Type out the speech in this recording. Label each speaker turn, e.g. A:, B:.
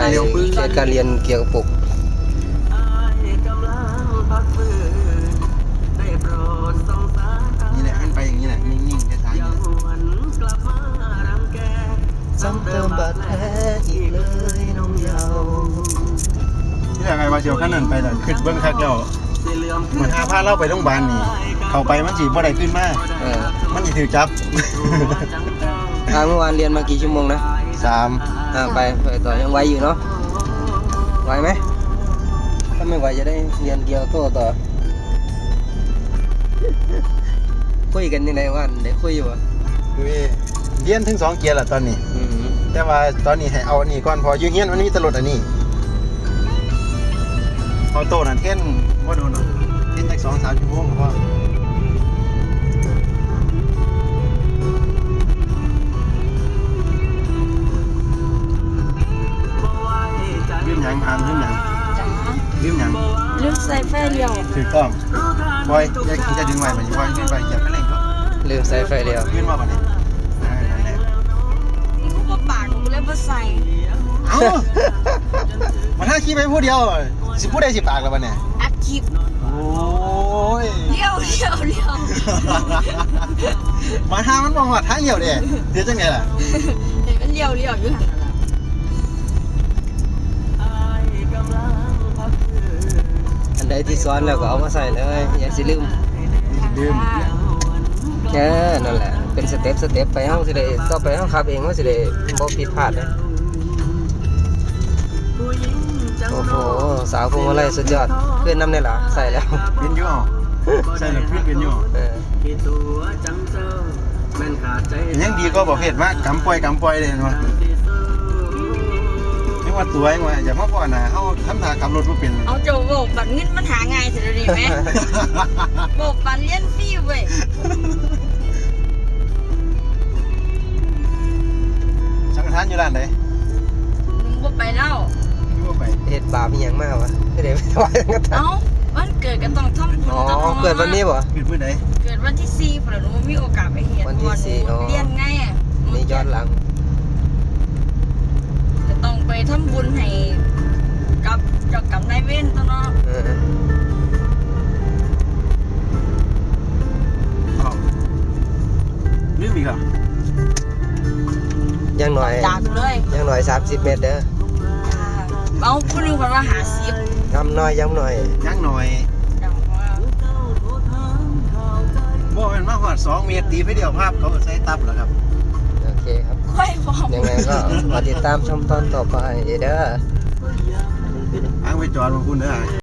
A: เครียดการเรียนเกี่ยวกับปก
B: นี่แหละให้ไปอย่างนี้แหละนิ่งๆช้าๆอย่างนี้
A: ซ้ำเติมบาดแผลอีกเลยน้องเยาว์
B: ที่ไหนมาเชียวขั้นนั้นไปเลยขึ้นเบื้องคักเจ้าเหมือนพาเล่าไปโรงพยาบาลนี่เข้าไปมันจีบว่าใดขึ้นมามันจะถือจับ
A: เมื่อวานเรียนมากี่ชั่วโมงนะ
B: 3
A: ไปต่อยังไหวอยู่เนาะไหวไหมถ้าไม่ไหวจะได้เรียนเกี่ยวกับต่อคุยกันยังไงวันได้คุยอยู่อ่ะ
B: เรียนถึง2 เกียร์ละตอนนี้แต่ว่าตอนนี้ให้เอาอันนี้ก่อนพอยืนเงี้ยมันมีตลอดอันนี้เอาโต้นั่นเท่นว่าโดนเท่นจาก2-3 ชั่วโมงพ่อลืมยังลืมยัง
C: ลืมใส่ไฟเลี้ยว
B: ถูกต้องบอยจะดึงไว้มันบอยขึ้นไปเหยียบไปเร่งก็
A: ลืมใส่ไฟเดียว
B: ขึ้นมาแบบนี้นั่นแหละ
C: นี่กูบ่ปากกูเลยบ่ใส่
B: เอ้ามันถ้าขี้ไปผู้เดียวสิพูดได้10 ปากแล้วบัดเนี่ย
C: อัดคลิป
B: โอ้ย
C: เลี้ยว
B: มาหามันมองว่าทางเดียวเด้เดี๋ยวจังไงล่ะ
C: เห็นมันเลี้ยวอยู่หั่นน่ะ
A: อันใดที่ซ้อนแล้วก็เอามาใส่เลยอย่าสิลืม
B: ลืม
A: นั่นแหละเป็นสเต็ปไปห้องสิได้ต่อไปห้องขับเองว่าสิได้บ่ผิดพลาดนะโอ้โหสาวพวงมาลัยสุดยอดขึ้นน้ำเนี่ยเหรอใส่แล้ว
B: เป็นอยู่ใช่หรือขึ้นเป็นอยู่ยังดีก็บอกเหตุว่ากำปล่อยเลยเห็นไหมไม่ว่าตัวเองว่าอย่ามาก่อนนะเขาทำทางขับรถไม่เป็น
C: เอาโจโบกบัตรเงินมันหาง่ายสิเดี๋ยวนี้แม่โบกบัตรเรียนฟรีเว้ย
B: สังฆทานอยู่ร้านไหน
C: มึงบ่ไปแล้ว
B: ที่ว่าไป
A: เฮ็ดบาปอีหยังมากวะไม่ได้ไปถวายสังฆทาน
C: เอ้าวันเกิดก็ต้องทำบุญ
A: อ๋อ
C: ต้อง
A: เกิดวันนี้บ่
B: ปิดพื้นไหน
C: เกิดวันที่4พุ่นน่ะหนูบ่มีโอกาสไปเฮ็ด
A: วันที่สี่อ๋อ
C: เรียนไงอ่ะ
A: นี่ย้อนหลัง
C: จะต้องไปทำบุญให้กับเจ้ากรรมนายเวรตัวเนาะ
B: ลืมอีกเหรอ
A: ยังหน่อย
C: จากเลย
A: ยังหน่อย30 เมตรเด้อ
C: เอาผู้หนึงคนว่าหาซิบ
A: ย้ำหน่อยย้ำหน่อย
B: ยังหน่อย
C: จังว่า
B: บ่เป็นมาหอด2 เมตรตีไปเดียวภาพเขาใช้ตับเหรอครับ
A: โอเคครับ
C: ค่อยบอก
A: ยังไงก็มาติดตามชมตอนต่อไปเด้อ
B: อ้างไปจอดมาคุณเด้อ